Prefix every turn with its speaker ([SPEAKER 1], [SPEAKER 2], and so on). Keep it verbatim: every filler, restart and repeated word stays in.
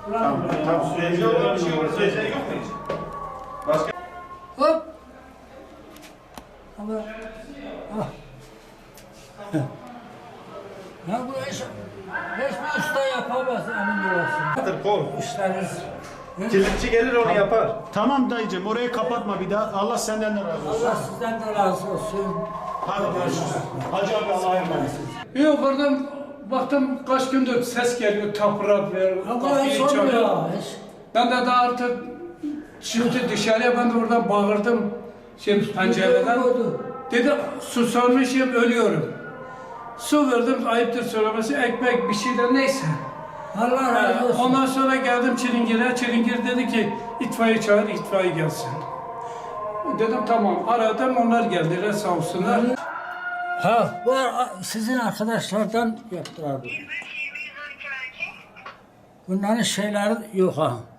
[SPEAKER 1] Tamam, tamam. Süreci olan bir şey olur. Süreçleri yok mu hiç? Başka?
[SPEAKER 2] Hop. Ama ah. Ya bu iş hiçbir usta yapamaz emin olasın.
[SPEAKER 1] Kol.
[SPEAKER 2] İşleriniz.
[SPEAKER 1] Kilitçi gelir onu yapar.
[SPEAKER 3] Tamam dayıcım orayı kapatma bir daha. Allah senden de razı olsun.
[SPEAKER 2] Allah sizden de razı olsun.
[SPEAKER 3] Hadi görüşürüz. Hacı abi Allah'a emanet.
[SPEAKER 4] Yok oradan baktım kaç gündür ses geliyor, tapırak ver,
[SPEAKER 2] Ama
[SPEAKER 4] kapıyı
[SPEAKER 2] hiç
[SPEAKER 4] çalıyor.
[SPEAKER 2] olmuyor. Hiç.
[SPEAKER 4] Ben de daha artık çıktı dışarıya, ben de oradan bağırdım şey, pencereden. Dedi susamışım, ölüyorum. Su verdim, ayıptır söylemesi, ekmek bir şeyler neyse.
[SPEAKER 2] Allah razı olsun.
[SPEAKER 4] Ondan sonra geldim Çilingir'e, Çilingir dedi ki itfaiye çağır, itfaiye gelsin. Dedim tamam, aradım, onlar geldiler sağ olsunlar.
[SPEAKER 2] Ha, bu sizin arkadaşlardan yaptılar bunu. Bunların şeyleri yok ha.